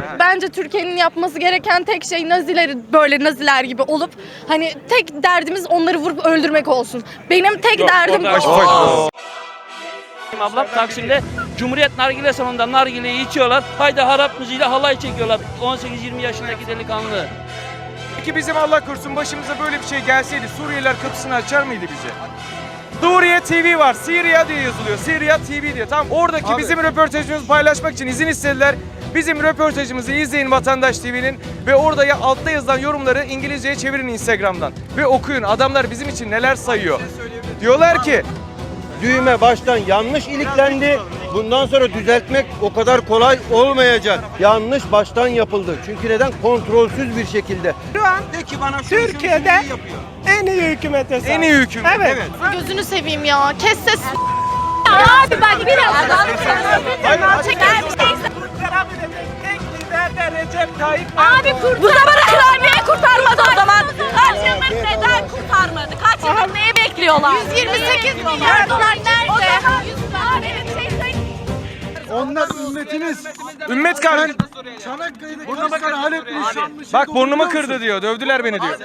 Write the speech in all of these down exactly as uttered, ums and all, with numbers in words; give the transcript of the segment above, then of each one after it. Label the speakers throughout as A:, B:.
A: Bence Türkiye'nin yapması gereken tek şey Nazileri böyle Naziler gibi olup hani tek derdimiz onları vurup öldürmek olsun. Benim tek
B: Yok,
A: derdim
B: orada- Ablam Taksim'de Cumhuriyet Nargile Salonu'nda nargileyi içiyorlar. Haydi harap müziğiyle halay çekiyorlar. on sekiz yirmi yaşındaki delikanlı.
C: Peki bizim Allah korusun başımıza böyle bir şey gelseydi Suriyeliler kapısını açar mıydı bize? Suriye T V var. Syria diye yazılıyor. Syria T V diye. Tamam. Oradaki
D: Abi.
C: bizim röportajımızı paylaşmak için izin istediler. Bizim röportajımızı izleyin Vatandaş T V'nin ve orada ya altta yazılan yorumları İngilizceye çevirin Instagram'dan ve okuyun. Adamlar bizim için neler sayıyor. Diyorlar ki
E: Düğme baştan yanlış iliklendi. Bundan sonra düzeltmek o kadar kolay olmayacak. Yanlış baştan yapıldı. Çünkü neden? Kontrolsüz bir şekilde.
F: Şu an
E: De ki bana şunu,
F: Türkiye'de
E: şunu, şunu yapıyor.
F: en iyi hükümete sahip.
C: en iyi hükümet.
F: Evet.
A: Gözünü seveyim ya. Kes ses.
G: Abi bak biraz adam
A: Çeker bir şey.
F: Tek lider de Recep Tayyip
G: Abi
F: Erdoğan.
G: kurt. Bu zamana kadar niye kurtarmadı o zaman? Kaç yıldır neden kurtarmadı? Kaç yıldır neyi bekliyorlar?
A: yüz yirmi sekiz milyar dolar nerede?
G: O zaman abi bir şey söyleyeyim.
D: Onlar ümmetiniz.
C: Ümmet kardeş.
D: Çanakkale'de kaç tane Halepli yaşanmış.
C: Bak burnumu kırdı diyor. Dövdüler beni diyor.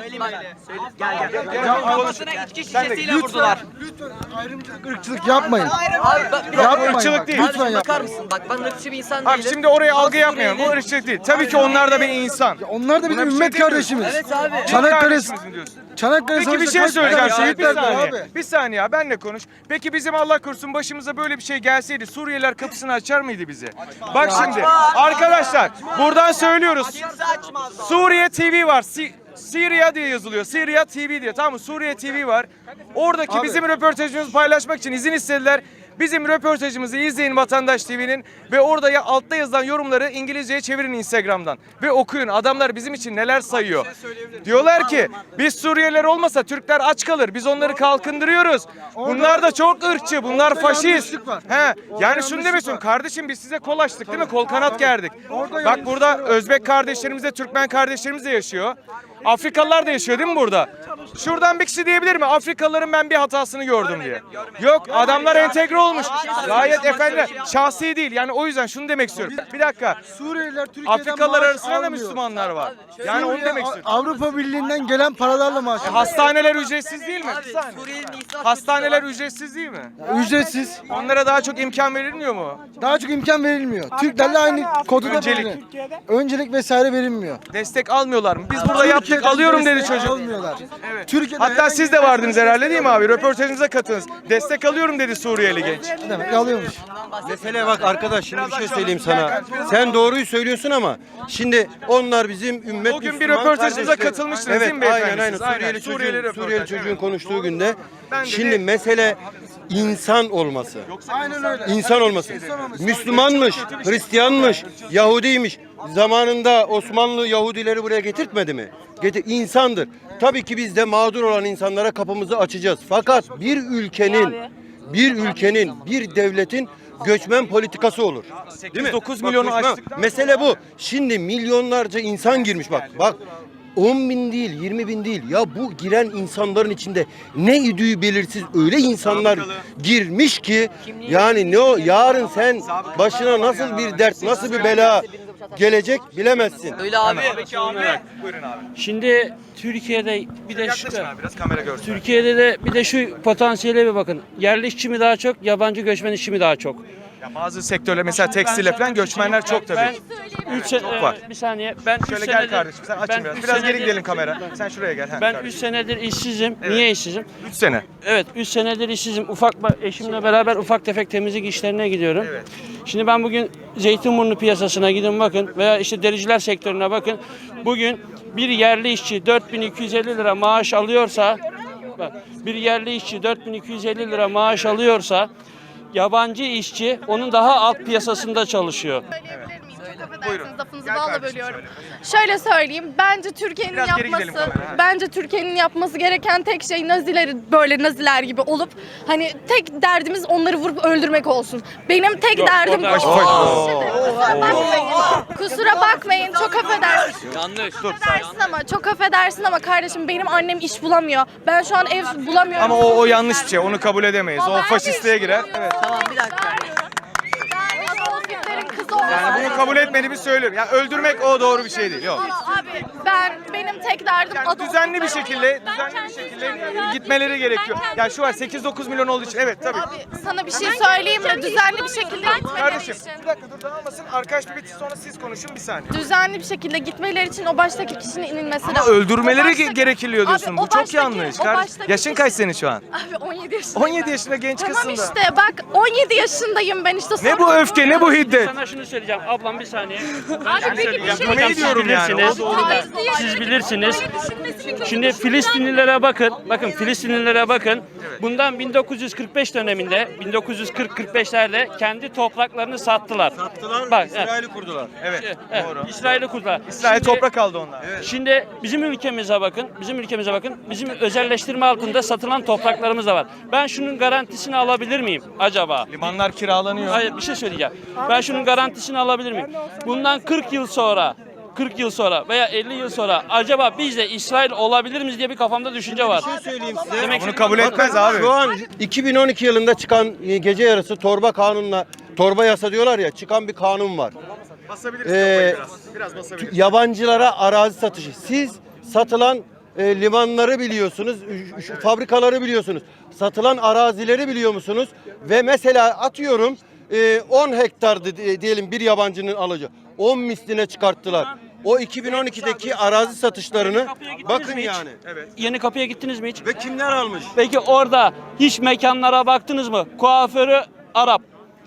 H: Şişesiyle vurdular.
D: Lütfen ayrımcılık, ırkçılık yapmayın.
H: Abi,
D: Yapmayın
C: ırkçılık
D: bak,
C: değil.
D: lütfen
H: bakar
D: yapmayın.
H: mısın? Bak ben ırkçı bir insan
C: Abi
H: değilim.
C: şimdi oraya algı yapmayalım. Bu ırkçılık değil. Tabii ki onlar da bir insan.
D: Onlar da bizim
C: Buna bir şey
D: ümmet
C: demiyorum.
D: kardeşimiz.
H: Evet abi.
D: Çanakkale,
C: Kardeşimiz mi diyorsun?
D: Çanakkale
C: Peki bir
D: Savaşı'nda
C: şey
D: kaç
C: söyleyeceğim
D: tane
C: Şehit bir
D: şehitler var
C: saniye.
D: abi?
C: Bir saniye ya benle konuş. Peki bizim Allah korusun başımıza böyle bir şey gelseydi Suriyeliler kapısını açar mıydı bize? Bak şimdi arkadaşlar buradan söylüyoruz. Suriye T V var. Si Syria diye yazılıyor. Syria T V diye. Tamam mı? Suriye T V var. Oradaki
D: Abi.
C: bizim röportajımızı paylaşmak için izin istediler. Bizim röportajımızı izleyin Vatandaş T V'nin ve orada ya altta yazılan yorumları İngilizceye çevirin Instagram'dan ve okuyun. Adamlar bizim için neler sayıyor. Diyorlar ki biz Suriyeliler olmasa Türkler aç kalır. Biz onları kalkındırıyoruz. Bunlar da çok ırkçı. Bunlar
D: Orada
C: faşist.
D: yanlışlık var.
C: He.
D: Orada
C: Yani şunu
D: yanlışlık
C: demiyorsun
D: var.
C: kardeşim biz size kol açtık değil mi? Kol kanat gerdik.
D: Orada
C: Bak
D: yanlışlık
C: burada
D: var.
C: Özbek kardeşlerimiz de Türkmen kardeşlerimiz de yaşıyor. Afrikalılar da yaşıyor değil mi burada? Şuradan bir kişi diyebilir mi? Afrikalıların ben bir hatasını gördüm diye. Yok adamlar entegre olmuş. Gayet efendi. Şahsi değil. Yani o yüzden şunu demek istiyorum. Bir dakika.
D: Suriyeliler Türkiye'den
C: Afrikalılar
D: maaş
C: arasında da
D: almıyor.
C: Müslümanlar var. Yani onu
D: Suriye,
C: demek istiyorum.
D: Avrupa Birliği'nden gelen paralarla maaş alıyor.
C: Hastaneler ücretsiz değil mi? Bir saniye.
H: Suriyeli'nin israf
C: Hastaneler ücretsiz değil mi?
D: Ücretsiz.
C: Onlara daha çok imkan verilmiyor mu?
D: Daha çok imkan verilmiyor. Türklerle aynı kodu da
C: Öncelik.
D: böyle. Öncelik vesaire verilmiyor.
C: Destek almıyorlar mı? Biz burada yaptık alıyorum dedi çocuk.
D: Almıyorlar. Türkiye'de
C: Hatta siz de vardınız herhalde değil mi abi? Röportajınıza katılınız. Destek alıyorum dedi Suriyeli genç.
D: ne demek alıyormuş.
E: Mesele bak arkadaş şimdi bir şey söyleyeyim sana. Sen doğruyu söylüyorsun ama şimdi onlar bizim ümmet
C: O gün bir
E: Müslüman
C: röportajınıza
E: kardeşler.
C: katılmıştınız
E: evet,
C: değil mi beyefendi
E: aynen aynen.
C: siz? Aynen.
E: Suriyeli,
C: Suriyeli
E: çocuğun,
C: röportaj,
E: Suriyeli çocuğun
C: evet.
E: konuştuğu günde
C: Ben
E: şimdi
C: dedi-
E: mesele insan olması.
D: Aynen öyle.
E: İnsan olması. Müslümanmış, Hristiyanmış, Yahudiymiş. Zamanında Osmanlı Yahudileri buraya getirtmedi mi? Getir, insandır. Tabii ki biz de mağdur olan insanlara kapımızı açacağız. Fakat bir ülkenin, bir ülkenin, bir devletin göçmen politikası olur. Değil mi?
C: dokuz
E: Bak,
C: milyonu
E: göçmen-
C: aştık.
E: Mesele bu. Şimdi milyonlarca insan girmiş bak. Bak on bin değil, yirmi bin değil. Ya bu giren insanların içinde ne idüğü belirsiz öyle insanlar girmiş ki yani ne o yarın sen başına nasıl bir dert, nasıl bir bela gelecek bilemezsin.
H: Öyle abi.
C: Buyurun abi.
B: Şimdi Türkiye'de bir de şu,
C: Yaklaşın abi biraz kamera görsün.
B: Türkiye'de de bir de şu potansiyele bir bakın. Yerli işçi mi daha çok, yabancı göçmen işçi mi daha çok?
C: Ya bazı sektörler mesela tekstile falan göçmenler çok tabii.
B: Ben üç sene
C: var.
B: bir saniye. Ben üç
C: Şöyle gel
B: senedir-
C: kardeşim sen
B: ben
C: açın biraz.
B: üç
C: Biraz geri
B: senedir-
C: gidelim kamera. Sen şuraya gel.
B: Ben üç senedir işsizim. Niye işsizim?
C: üç sene.
B: Evet, üç senedir işsizim. Ufak eşimle beraber ufak tefek temizlik işlerine gidiyorum.
C: Evet.
B: Şimdi ben bugün Zeytinburnu piyasasına gidin bakın veya işte dericiler sektörüne bakın. Bugün bir yerli işçi dört bin iki yüz elli lira maaş alıyorsa, bak, bir yerli işçi dört bin iki yüz elli lira maaş alıyorsa, yabancı işçi onun daha alt piyasasında çalışıyor.
A: Söyleyebilir miyim? Çok
C: Buyurun.
A: affedersiniz lafınızı
C: Gel
A: balla
C: kardeşim,
A: bölüyorum.
C: söyle.
A: Şöyle söyleyeyim. Bence Türkiye'nin
C: Biraz geri gidelim
A: yapması
C: kameraya, ha.
A: bence Türkiye'nin yapması gereken tek şey Nazileri böyle Naziler gibi olup hani tek derdimiz onları vurup öldürmek olsun. Benim tek
B: Yok,
A: derdim
B: orada-
A: Kusura bakmayın. Kusura bakmayın. Çok affedersin.
H: Yanlış.
A: Affedersin ama çok affedersin ama kardeşim benim annem iş bulamıyor. Ben şu an ev bulamıyorum.
C: Ama o, o yanlış bir şey. Onu kabul edemeyiz. O
A: Ama ben de
C: faşistliğe
A: iş
C: girer.
A: bulamıyorum.
C: Evet.
H: Tamam bir dakika.
A: Adolf Hitler'in kızı
C: Yani bunu kabul etmediğimi söylüyorum. Ya öldürmek o doğru bir şey değil. Yok.
A: Ama abi ben benim tek derdim
C: Yani
A: adı
C: düzenli bir
A: oldukları-
C: şekilde, düzenli bir şekilde gitmeleri gerekiyor. Ya şu var sekiz dokuz milyon olduğu için evet tabii.
A: Abi sana bir şey söyleyeyim mi? Düzenli bir şekilde gitmeleri
C: Kardeşim
A: için.
C: bir dakika dur dağılmasın. Arkadaş bir bitsin sonra siz konuşun bir saniye.
A: Düzenli bir şekilde gitmeleri için o baştaki kişinin inilmesi
C: Ama
A: lazım.
C: öldürmeleri
A: O baştaki-
C: gerekiliyor diyorsun.
A: Abi,
C: Bu
A: o
C: çok
A: baştaki-
C: yanlış.
A: o
C: Kardeş,
A: baştaki
C: yaşın
A: kişi-
C: kaç senin şu an?
A: Abi on yedi yaşındayım.
C: on yedi yaşında genç
A: Tamam
C: kızsın da.
A: işte bak on yedi yaşındayım ben işte.
C: Ne bu öfke ne bu hiddet?
B: Sana şunu söyleyeceğim ablam bir saniye.
G: Abi peki bir şey
C: Yapmayı
B: Hocam siz
C: diyorum yani.
B: bilirsiniz.
C: O doğru da.
B: Siz bilirsiniz.
G: Böyle düşünmesini kötü
B: Şimdi Filistinlilere bakın. Bakın Filistinlilere bakın. Bundan bin dokuz yüz kırk beş döneminde bin dokuz yüz kırk kırk beşlerde kendi topraklarını sattılar.
E: Sattılar,
B: Bak,
E: İsrail'i kurdular.
C: Evet
B: Evet,
C: doğru.
B: İsrail'i kurdular.
C: İsrail
B: Şimdi-
C: toprak aldı onlar.
B: Şimdi bizim ülkemize bakın, bizim ülkemize bakın. Bizim özelleştirme altında satılan topraklarımız da var. Ben şunun garantisini alabilir miyim acaba?
C: Limanlar kiralanıyor.
B: Hayır bir şey söyleyeceğim. Ben şunun garantisini alabilir miyim? Bundan kırk yıl sonra kırk yıl sonra veya elli yıl sonra acaba biz de İsrail olabilir miyiz diye bir kafamda düşünce var.
E: Bir şey söyleyeyim size.
B: Demek
C: Bunu kabul etmez abi.
E: Şu an iki bin on iki yılında çıkan e, gece yarısı torba kanunla, torba yasa diyorlar ya, çıkan bir kanun var.
C: Basabiliriz
E: Ee,
C: kafayı biraz. Biraz basabiliriz.
E: Yabancılara arazi satışı. Siz satılan e, limanları biliyorsunuz, ü- şu fabrikaları biliyorsunuz. Satılan arazileri biliyor musunuz? Ve mesela atıyorum e, on hektardı di- diyelim bir yabancının alıcı. on misline çıkarttılar. O iki bin on ikideki arazi satışlarını bakın
B: mi hiç?
E: yani.
B: Yeni Kapı'ya gittiniz mi hiç?
E: Ve kimler almış?
B: Peki orada hiç mekanlara baktınız mı? Kuaförü Arap.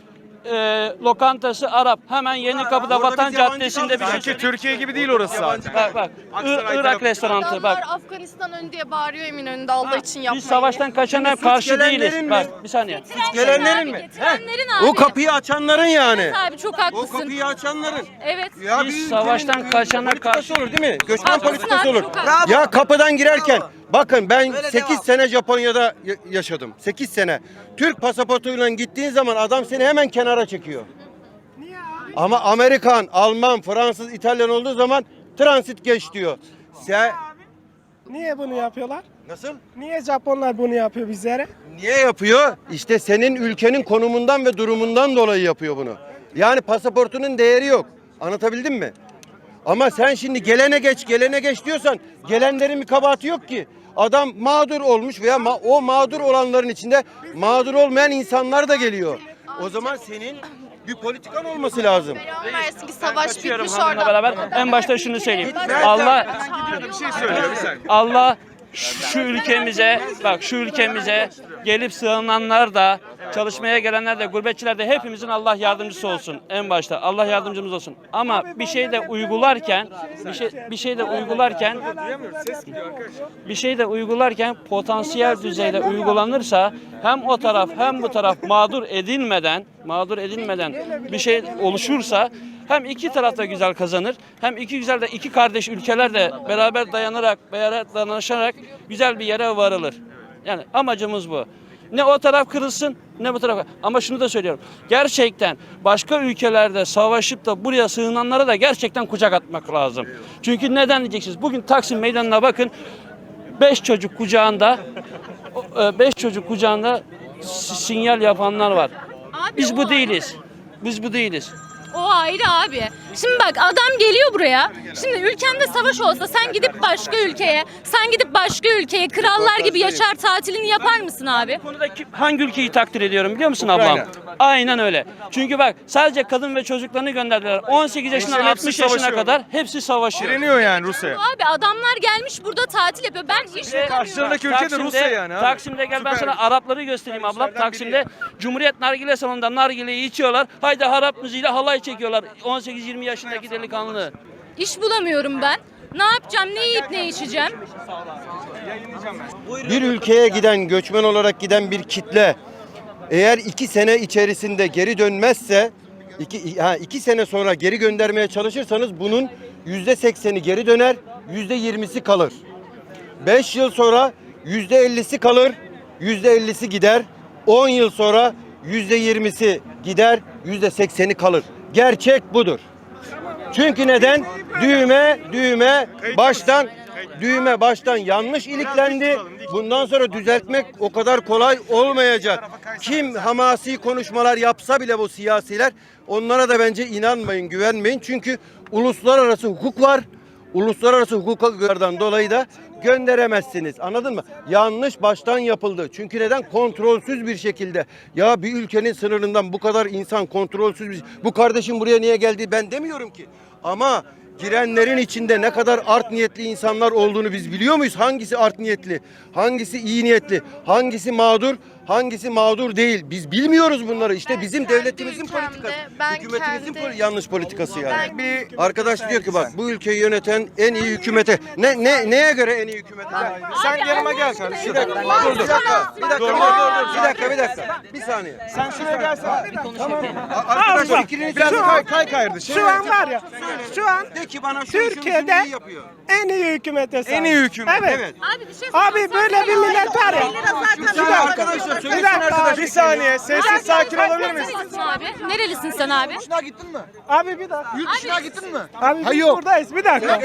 B: e, lokantası Arap. Hemen Yeni Kapı'da
E: Orada
B: Vatan
E: biz yabancı
B: Caddesi'nde bir şey
C: Sanki
B: söyleyeyim.
C: Türkiye gibi değil orası zaten.
B: Bak bak.
C: Aksaray
B: Ir- Irak
C: tarafı.
B: restoranı
A: Adamlar
B: bak.
A: Afganistan ön diye bağırıyor Eminönü'nde Allah için yapmayın.
B: Biz savaştan kaçana
E: Şimdi suç
B: karşı
E: gelenlerin
B: değiliz.
E: mi?
B: Bak bir saniye.
E: Gelenlerin mi?
G: Getirenlerin abi.
E: O kapıyı açanların yani.
G: Abi çok
E: O
G: haklısın.
E: kapıyı açanların.
G: Evet.
E: Ya
B: Biz
E: bir
B: savaştan
E: ülkenin
B: kaçana
E: politikası
B: karşı-
E: olur değil mi? Göçmen
G: Haklısın
E: politikası
G: abi,
E: olur.
G: çok haklısın.
E: Ya kapıdan girerken bakın ben sekiz sene Japonya'da ya- yaşadım. sekiz sene. Türk pasaportuyla gittiğin zaman adam seni hemen kenara çekiyor. Ama Amerikan, Alman, Fransız, İtalyan olduğu zaman transit geç diyor. Sen
F: Niye bunu yapıyorlar?
E: nasıl?
F: Niye Japonlar bunu yapıyor bizlere?
E: Niye yapıyor? İşte senin ülkenin konumundan ve durumundan dolayı yapıyor bunu. Yani pasaportunun değeri yok. Anlatabildim mi? Ama sen şimdi gelene geç, gelene geç diyorsan gelenlerin bir kabahati yok ki. Adam mağdur olmuş veya ma- o mağdur olanların içinde mağdur olmayan insanlar da geliyor. O zaman senin bir politikan olması lazım.
A: Belamı versin ki savaş
B: Kaçıyorum
A: bitmiş
B: hanımla
A: orada.
B: beraber. En başta şunu söyleyeyim. Allah
C: Bir şey söylüyor bir saniye.
B: Allah şu ülkemize bak şu ülkemize gelip sığınanlar da çalışmaya gelenler de gurbetçiler de hepimizin Allah yardımcısı olsun en başta. Allah yardımcımız olsun. Ama bir şey de uygularken bir şey bir şey de uygularken bir şey de uygularken potansiyel düzeyde uygulanırsa hem o taraf hem bu taraf mağdur edilmeden mağdur edilmeden bir şey oluşursa hem iki taraf da güzel kazanır, hem iki güzel de iki kardeş ülkeler de beraber dayanarak, beraber dayanışarak güzel bir yere varılır. Yani amacımız bu. Ne o taraf kırılsın, ne bu taraf. Ama şunu da söylüyorum. Gerçekten başka ülkelerde savaşıp da buraya sığınanlara da gerçekten kucak atmak lazım. Çünkü neden diyeceksiniz? Bugün Taksim Meydanı'na bakın. Beş çocuk kucağında, beş çocuk kucağında sinyal yapanlar var.
G: Abi
B: Biz
G: o
B: bu değiliz. Biz bu değiliz.
G: O ayrı abi. Şimdi bak adam geliyor buraya. Şimdi ülkende savaş olsa sen gidip başka ülkeye, sen gidip başka ülkeye krallar gibi yaşar tatilini yapar mısın abi?
B: Bu konuda kim- hangi ülkeyi takdir ediyorum biliyor musun ablam?
C: Ukrayna.
B: Aynen öyle. Çünkü bak sadece kadın ve çocuklarını gönderdiler. on sekiz yaşından
C: Gençlerin hepsi
B: altmış yaşına
C: savaşıyor.
B: kadar hepsi savaşıyor.
C: Direniyor yani Rusya'ya.
G: Abi adamlar gelmiş burada tatil yapıyor. Ben iş bulamıyorum.
C: Karşılarındaki ülke de Rusya yani abi.
B: Taksim'de gel ben
C: Süper.
B: sana Arapları göstereyim ablam.
C: Kardeşlerden
B: Taksim'de
C: biri
B: Cumhuriyet Nargile Salonu'nda nargileyi içiyorlar. Haydi Arap müziğiyle halay çekiyorlar. on sekiz yirmi yaşındaki delikanlı.
G: İş bulamıyorum ben. Ne yapacağım? Ne yiyip ne içeceğim?
E: Bir ülkeye giden, göçmen olarak giden bir kitle eğer iki sene içerisinde geri dönmezse, iki, ha, iki sene sonra geri göndermeye çalışırsanız bunun yüzde sekseni geri döner, yüzde yirmisi kalır. Beş yıl sonra yüzde ellisi kalır, yüzde ellisi gider. On yıl sonra yüzde yirmisi gider, yüzde sekseni kalır. Gerçek budur. Çünkü neden? Düğme, düğme baştan düğme baştan yanlış iliklendi. Bundan sonra düzeltmek o kadar kolay olmayacak. kim hamasi konuşmalar yapsa bile bu siyasiler, onlara da bence inanmayın, güvenmeyin. Çünkü uluslararası hukuk var. Uluslararası hukuklardan dolayı da gönderemezsiniz. Anladın mı? Yanlış baştan yapıldı. Çünkü neden? Kontrolsüz bir şekilde. Ya bir ülkenin sınırından bu kadar insan kontrolsüz bir... Bu kardeşim buraya niye geldi ben demiyorum ki. Ama girenlerin içinde ne kadar art niyetli insanlar olduğunu biz biliyor muyuz? Hangisi art niyetli? Hangisi iyi niyetli? Hangisi mağdur? Hangisi mağdur değil? Biz bilmiyoruz bunları. İşte
A: Ben
E: bizim
A: kendi
E: devletimizin
A: ülkemde,
E: politikası.
A: ben
E: Hükümetimizin
A: kendi-
E: poli- yanlış politikası yani.
A: Ben-
C: Bir
E: Arkadaş diyor ki bak bu ülkeyi yöneten en iyi hükümete. Ne ne neye göre en iyi hükümete?
C: sen yanıma gel kardeşim.
E: Bir dakika, dur, dur. Bir dakika, bir dakika,
C: Dur, dur,
E: bir
C: dur, dur.
E: dakika, bir dakika. Bir saniye.
C: Sen şuraya gelsene.
E: Arkadaş
F: bak,
E: fikrinizi
C: Biraz
F: Şu an-
C: kay, kay kardeşim.
F: Şu an var ya, şu an
E: de ki bana şunu şunu şunu
F: Türkiye'de
E: iyi yapıyor.
F: en iyi hükümete sahip.
C: En iyi hükümet.
F: Evet.
E: Evet.
G: Abi bir şey
F: Abi böyle bir millet var ya.
E: Bir saniye arkadaşlar
F: Bir
E: söylesin
F: dakika.
E: arkadaş.
C: Bir saniye sessiz sakin olabilir misin?
G: Nerelisin abi? Nerelisin sen abi?
D: Yurt dışına gittin mi?
F: Abi bir dakika.
D: Yurt dışına gittin mi?
F: Abi biz
D: Hayır, yok.
F: buradayız. Bir dakika.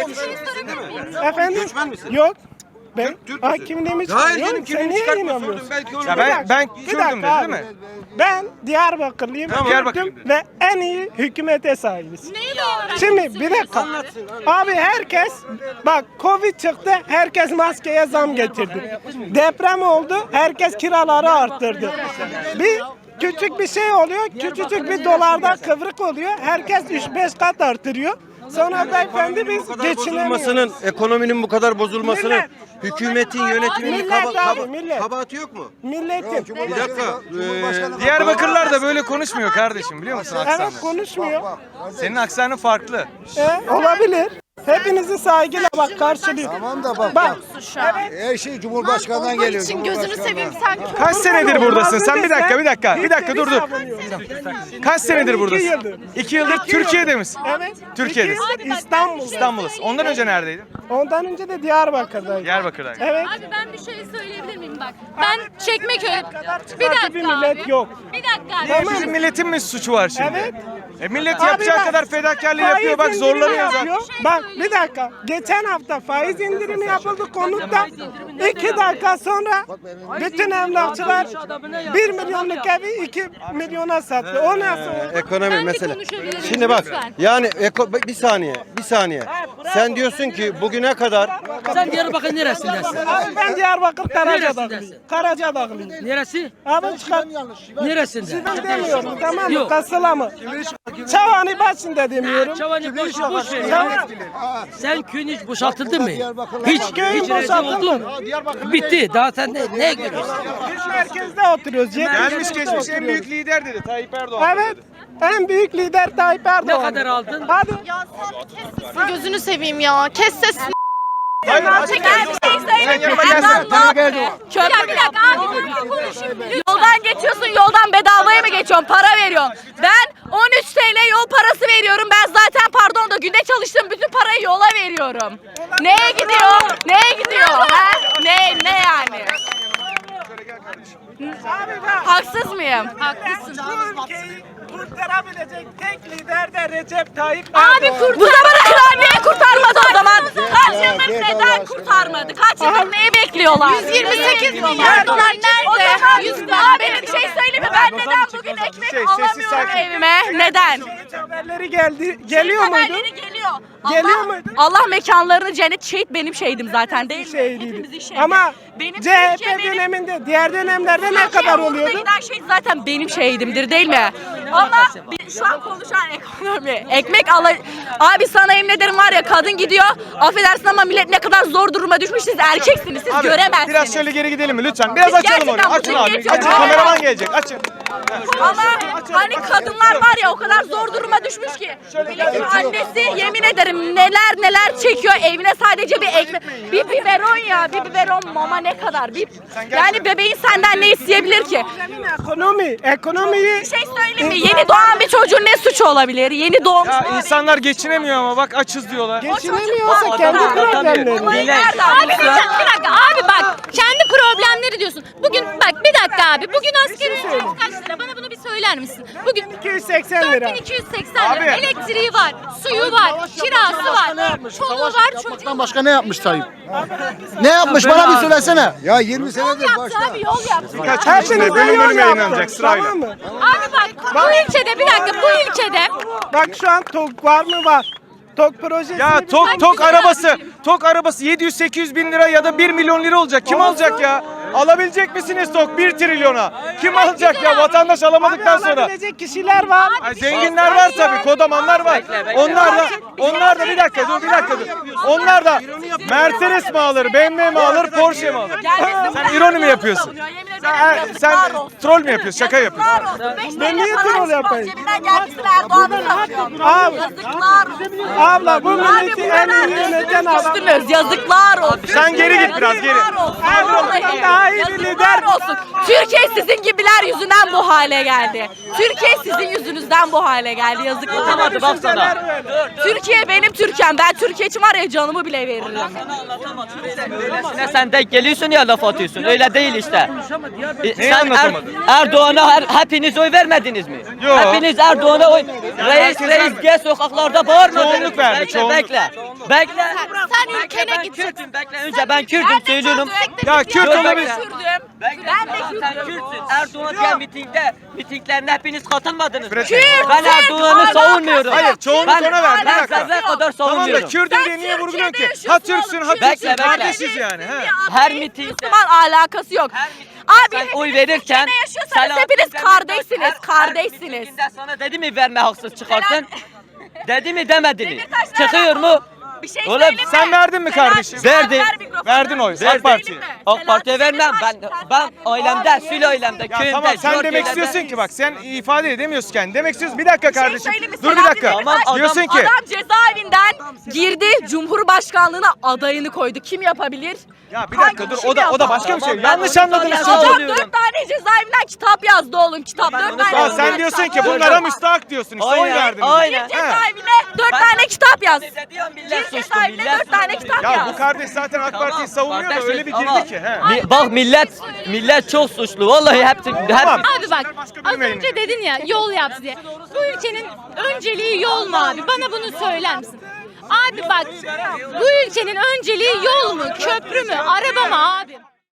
F: Efendim?
E: Göçmen misin?
F: Yok. Ben
E: Türk- Türk
F: Aa,
E: müsün?
F: kimliğimi
E: Hayır
F: çıkarıyorum.
E: canım
F: Sen
E: kimliğini
F: niye
E: çıkartma
F: inanmıyorsun?
E: sordum belki onu.
C: Ya ben ben
F: Bir
C: Kürdüm
F: dakika
C: dedi
F: abi.
C: değil mi?
F: Ben Diyarbakırlıyım.
C: Tamam. Diyarbakırlıyım dedi.
F: Ve en iyi hükümete sahibiz.
G: Neyi dayanarak?
F: Şimdi bir dakika. Abi herkes bak Covid çıktı, herkes maskeye zam getirdi. Deprem oldu, herkes kiraları arttırdı. Bir küçük bir şey oluyor, küçücük bir dolarda kıvrık oluyor. Herkes üç beş kat artırıyor. Sonra beyefendi biz
E: Bu kadar
F: geçinemiyoruz.
E: bozulmasının, ekonominin bu kadar bozulmasının
F: Millet.
E: hükümetin yönetiminin
F: Millet
E: kaba,
F: abi,
E: kaba,
F: millet.
E: kabahati yok mu?
F: Milletin.
E: Bir dakika. eee,
C: Diyarbakırlılar da böyle konuşmuyor kardeşim biliyor musun aksanı?
F: Evet konuşmuyor.
C: Senin aksanın farklı.
F: E, olabilir. Hepinizi saygıyla bak karşılıyor.
D: Tamam da bak.
F: Bak.
D: Her şey Cumhurbaşkanı'ndan
A: Onun
D: geliyor.
A: için gözünü seveyim sen.
C: Kaç senedir buradasın? Sen bir dakika bir dakika. Bir dakika
F: Hiçbiri
C: dur dur.
F: savunuyor.
C: Kaç senedir
F: iki
C: buradasın?
F: yıldır.
C: İki yıldır Türkiye'de misin?
F: Evet.
C: Türkiye'de.
F: İki yıl İstanbul.
C: İstanbul'dasın. Ondan önce neredeydin?
F: Ondan önce de Diyarbakır'daydım.
C: Diyarbakır'daydın.
F: Evet.
G: Abi ben bir şey söyleyebilir miyim bak? Ben Çekmeköy. Bir
F: çıkartı bir
G: dakika
F: millet
G: abi.
F: yok.
G: Bir dakika abi.
F: Tamam.
C: Bizim milletin mi suçu var şimdi?
F: Evet.
C: E millet
F: Abi
C: yapacağı
F: bak,
C: kadar fedakarlığı
F: faiz
C: yapıyor. Bak
F: indirimi
C: zorlanıyor zaten.
F: yapıyor. Bak bir dakika. Geçen hafta faiz indirimi yapıldı konutta. İki dakika sonra bütün emlakçılar bir milyonluk evi iki milyona sattı. O nasıl oldu?
E: Ekonomi
G: Ben bir
E: mesele.
G: konuşabilirim,
E: Şimdi bak
G: lütfen.
E: yani eko, bir saniye bir saniye. Sen diyorsun ki bugüne kadar
I: Sen Diyarbakır neresindesin?
F: Abi ben Diyarbakır Karacadağlıyım.
I: Neresindesin?
F: Karacadağlıyım.
I: Neresi?
F: Abi çıkar.
I: Neresinde?
F: Ben demiyorum tamam mı?
I: Yok.
F: Kasıla mı? Çavani başında demiyorum.
I: Çavani boş boş ver ya. Sen köyün hiç boşaltıldı mı? Hiç
F: Köyün
I: hiç rezil
F: boşaltıldı
I: oldun
F: mı?
I: Bitti. Daha sen ne, ne görüyorsun?
F: Biz merkezde oturuyoruz.
C: Gelmiş
F: Yetmişimizde
C: geçmiş en
F: oturuyoruz.
C: büyük lider dedi Tayyip Erdoğan.
F: Evet. En büyük lider Tayyip Erdoğan.
I: Ne kadar aldın?
F: Hadi.
A: Ya sen bir kes sesini, gözünü seveyim ya. Kes sesini.
C: Hayır, açık
A: Çeker bir şey
C: Sen
A: söyle.
C: yanıma gelsene.
A: Allah be. Köprü bir dakika abi ben konuşayım. Yoldan geçiyorsun yoldan bedavaya mı geçiyorsun? Para veriyorsun. Ben on üç T L yol parası veriyorum. Ben zaten pardon da günde çalıştığım bütün parayı yola veriyorum. Neye gidiyor? Neye gidiyor? Ha? Ne ne yani? Haksız mıyım?
G: Haklısın.
F: Bu ülkeyi kurtarabilecek tek lider de Recep Tayyip
A: Abi
F: Erdoğan.
A: kurt. Bu zamana kadar niye kurtarmadı o zaman? Kaç yıldır neden kurtarmadı? Kaç yıldır neyi bekliyorlar? yüz yirmi sekiz milyar dolar nerede? O zaman yüz abi bir şey söyleyeyim mi? Ben neden bugün ekmek
C: Şey, sessiz,
A: alamıyorum
C: sakin.
A: evime? Neden?
F: Haberleri geldi. Geliyor muydu?
A: Haberleri geliyor.
F: Geliyor
A: Allah,
F: muydu?
A: Allah mekanlarını cennet şehit benim şehidim zaten değil mi?
F: Şeyliydi.
A: Hepimizin şehidi.
F: Ama
A: benim
F: C H P
A: Türkiye benim-
F: döneminde, diğer dönemlerde ne
A: Türkiye
F: kadar
A: uğruna
F: oluyordu?
A: giden şehit zaten benim şehidimdir değil mi? Ama bir- şu an konuşan ekonomi. Ekmek ala... Abi sana emin ederim var ya kadın gidiyor. Affedersin ama millet ne kadar zor duruma düşmüş. Siz erkeksiniz. Siz
C: Abi,
A: göremezsiniz.
C: biraz şöyle geri gidelim mi lütfen? Biraz açalım
A: gerçekten
C: orayı. Açın
A: bugün
C: abi.
A: geçiyoruz.
C: Açın kameraman gelecek. Açın.
A: Ama hani kadınlar var ya o kadar zor duruma düşmüş ki. Milletin annesi yemin ederim neler neler çekiyor evine sadece bir ekmek. Bir biberon ya bir biberon mama ne kadar. Bir, yani bebeğin senden ne isteyebilir ki?
F: Ekonomi, ekonomiyi
A: Bir şey söyleyeyim mi? Yeni doğan bir çocuğun ne suçu olabilir? Yeni doğmuş.
C: Ya insanlar geçinemiyor ama bak açız diyorlar.
F: geçinemiyorsa kendi problemleri.
A: Nerede
G: Abi bir dakika, bir dakika abi bak kendi problemleri diyorsun. Bugün bak bir dakika abi bugün asgari ücret kaç lira? Bana bunu bir söyler misin? Bugün
F: iki yüz seksen lira.
G: dört bin iki yüz seksen lira.
C: Abi.
G: Elektriği var, suyu var, kirası var, çoluğu var, çocuğu var.
D: Başka ne yapmış Tayyip? Ne yapmış bana bir söylesene. Ya yirmi
G: Yol
D: senedir
G: yaptı
D: başta.
G: abi, yol yaptı.
C: Birkaç gün içinde
F: Hepinize
C: bölüm
F: yol
C: bölüm
F: yaptım,
C: yayınlanacak sırayla.
F: tamam mı?
G: Abi bak bu ülkede bir dakika bu ülkede
F: Bak şu an TOG var mı var? TOG projesi.
C: Ya tok tok arabası, tok arabası yedi yüz sekiz yüz bin lira ya da bir milyon lira olacak. Kim alacak ya? Alabilecek misiniz tok bir trilyona? Kim alacak ya? Vatandaş alamadıktan sonra.
F: Alabilecek kişiler var.
C: Ay, zenginler var tabii, kodamanlar var. Onlar da, onlar da bir dakika dur, bir dakika dur. Onlar da Mercedes mi alır, B M W mi alır, Porsche mi alır? Sen ironi mi yapıyorsun? Sen, sen troll mü yapıyorsun, şaka yapıyorsun?
F: Ben niye troll yapayım?
A: Cebinden gelmişsin Erdoğan'ın.
F: Abi,
A: Yazıklar olsun.
F: abla bu
A: Abi
F: milleti
A: bu
F: en
A: kadar
F: iyi yöneten adam.
A: üstünüz. Yazıklar olsun.
C: Sen geri git biraz, geri.
A: Yazıklar olsun.
F: Erdoğan'dan daha iyi bir lider.
A: Yazıklar olsun. Türkiye sizin gibiler yüzünden bu hale geldi. Türkiye sizin yüzünüzden bu hale geldi. Yazıklar olsun.
F: Baksana.
A: Türkiye benim Türkiye'm. Ben Türkiye için var ya canımı bile veririm.
H: Ne sen denk geliyorsun ya laf atıyorsun. Öyle değil işte. E,
C: Neyi
H: sen Er-
C: anlatamadın?
H: Erdoğan'a her, hepiniz oy vermediniz mi?
C: Yok.
H: Hepiniz Erdoğan'a oy. Reis
C: herkes
H: reis
C: vermedi.
H: diye sokaklarda bağırmadınız.
C: Çoğunluk verdi,
H: Bekle,
C: çoğunluk.
H: Bekle. Bekle.
G: sen
H: Bekle,
G: ülkene
H: ben
G: gideceksin.
H: Kürt'üm. Bekle önce ben Kürt'üm söylüyorum.
C: Ya Kürt
H: Yok,
C: olabilir.
H: bekle.
A: Kürdüm.
H: Bekle.
A: Ben de
H: Sen
A: Kürdüm.
H: Kürt'sün. Erdoğan diye mitingde, mitinglerine hepiniz katılmadınız.
C: Kürt.
H: Ben Erdoğan'ı
A: Kürt.
H: savunmuyorum.
C: Hayır, çoğunluk
H: ben,
C: ona verdi, bir
H: Ben
C: dakika.
H: zerre kadar
C: Tamam da
H: savunmuyorum.
C: Kürt'üm diye
A: Sen
C: niye vurguluyorsun ki?
A: Türkiye'de
C: Ha
A: yaşıyorsun
C: Türksün, ha
A: oğlum.
C: Türksün.
H: Bekle, bekle.
C: Kardeşiz yani. He.
H: Her mitingde.
A: Müslüman alakası yok. Abi
H: Sen
A: hepiniz
H: oy verirken
A: Türkiye'de yaşıyorsanız hepiniz
H: Selahattin
A: kardeşsiniz,
H: Demirtaş her-
A: kardeşsiniz.
H: Her mitinginde sana dedi mi verme haksız çıkarsın? Dedi mi demedi mi?
A: Demirtaş nereden
H: Çıkıyor mu?
A: oldu? Bir şey
H: Oğlum,
A: söyleyeyim mi?
C: sen verdin mi kardeşim?
H: Verdim.
A: Ver mikrofonu.
C: Verdin oy,
A: Bir şey
C: AK Parti'ye.
A: söyleyeyim mi?
H: AK Parti'ye
A: Selahattin
H: vermem. Ben
A: Demirtaş, sen
H: ben
A: verdin.
H: ailemde, sül ailemde,
C: Ya
H: köyümde.
C: tamam sen demek
H: Jorge'lerde-
C: istiyorsun ki bak sen ifade edemiyorsun kendini. Demek istiyorsun bir dakika
A: Bir şey
C: kardeşim.
A: söyleyeyim mi?
C: Dur bir
A: Selahattin
C: dakika.
A: Demirtaş,
H: Tamam,
C: Diyorsun ki
A: Adam cezaevinden girdi, Cumhurbaşkanlığına adayını koydu. Kim yapabilir?
C: ya bir dakika
A: Hangi
C: dur
A: kim
C: o da o da
A: yapar?
C: başka bir şey.
H: Tamam, ben
C: Yanlış
H: onu
C: anladınız
H: sonra
C: çocuğu.
A: Adam
H: Oluyorum.
A: dört tane cezaevinden kitap yazdı oğlum kitap. Dört
H: onu
A: tane
C: Ya
H: söylüyorum.
C: sen diyorsun ki bunlara müstahak diyorsun işte oy
H: Aynen,
C: verdiniz.
H: aynen.
C: He.
A: Cezaevine dört tane kitap yaz.
H: Diyor millet
A: Gir
H: suçlu,
A: cezaevine
H: millet
A: dört tane
H: suçlu.
A: kitap
C: Ya
A: yaz.
C: bu kardeş zaten AK Parti'yi savunuyor da
H: Kardeşim,
C: öyle bir
H: ama
C: girdi ki. He.
H: mi- Bak millet millet çok suçlu. Vallahi hepsi hep
C: Tamam.
G: Abi bak az önce dedin ya yol yaptı diye. Bu ülkenin önceliği yol mu abi? Bana bunu söyler misin? Abi bak bu ülkenin önceliği yol mu, köprü mü, araba mı abi?